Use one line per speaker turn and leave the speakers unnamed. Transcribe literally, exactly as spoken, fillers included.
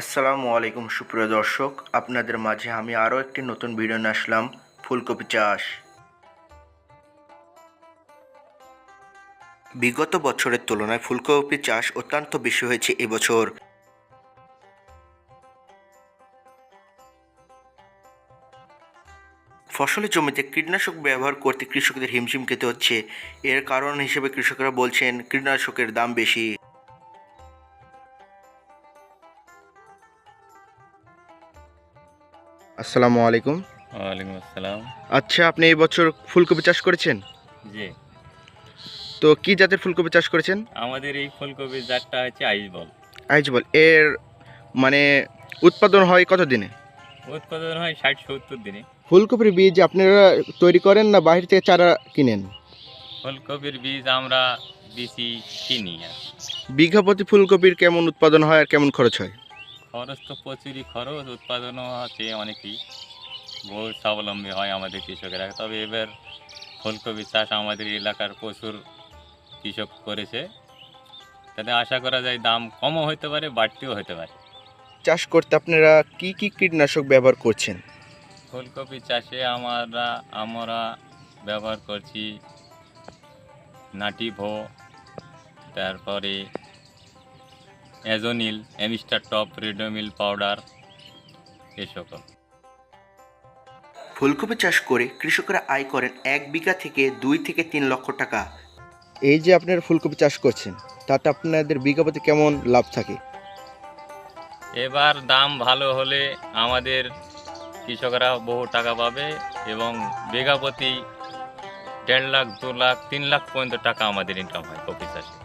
আসসালামু আলাইকুম সুপ্রিয় দর্শক, আপনাদের মাঝে আমি আরও একটি নতুন ভিডিও নিয়ে আসলাম ফুলকপি চাষ। বিগত বছরের তুলনায় ফুলকপি চাষ অত্যন্ত বেশি হয়েছে এবছর। ফসলের জমিতে কীটনাশক ব্যবহার করতে কৃষকদের হিমশিম খেতে হচ্ছে। এর কারণ হিসেবে কৃষকরা বলছেন কীটনাশকের দাম বেশি। আসসালামু আলাইকুম।
ওয়ালাইকুম আসসালাম।
আচ্ছা, আপনি এই বছর ফুলকপি চাষ করেছেন?
জি,
তো কি জাতের ফুলকপি চাষ করেছেন?
আমাদের এই ফুলকপির জাতটা হচ্ছে আইসবল।
আইজবল। এর মানে উৎপাদন হয় কত দিনে?
উৎপাদন হয় ষাট সত্তর দিনে।
ফুলকপির বীজ আপনারা তৈরি করেন না বাইরে থেকে চারা কিনেন?
ফুলকপির বীজ আমরা বেশি কিনি আর
বিঘা প্রতি ফুলকপির কেমন উৎপাদন হয় আর কেমন খরচ হয়?
খরচ তো প্রচুরই খরচ, উৎপাদনও আছে অনেকই। বহু স্বাবলম্বী হয় আমাদের কৃষকেরা। তবে এবার ফুলকপি চাষ আমাদের এলাকার প্রচুর কৃষক করেছে, তাতে আশা করা যায় দাম কমও হতে পারে, বাড়তিও হতে পারে।
চাষ করতে আপনারা কি কি কীটনাশক ব্যবহার করছেন?
ফুলকপি চাষে আমরা আমরা ব্যবহার করছি নাটিভো, তারপরে Azonil, Amistar Top, Ridomil powder, এ সকল।
ফুলকপি চাষ করে কৃষকরা আয় করেন এক বিঘা থেকে দুই থেকে তিন লক্ষ টাকা। এই যে আপনারা ফুলকপি চাষ করছেন, তাতে আপনাদের বিঘা প্রতি কেমন লাভ থাকে?
এবার দাম ভালো হলে আমাদের কৃষকরা বহু টাকা পাবে এবং বিঘা প্রতি দেড় লাখ, দু লাখ, তিন লাখ পর্যন্ত টাকা আমাদের ইনকাম হয় কপি চাষে।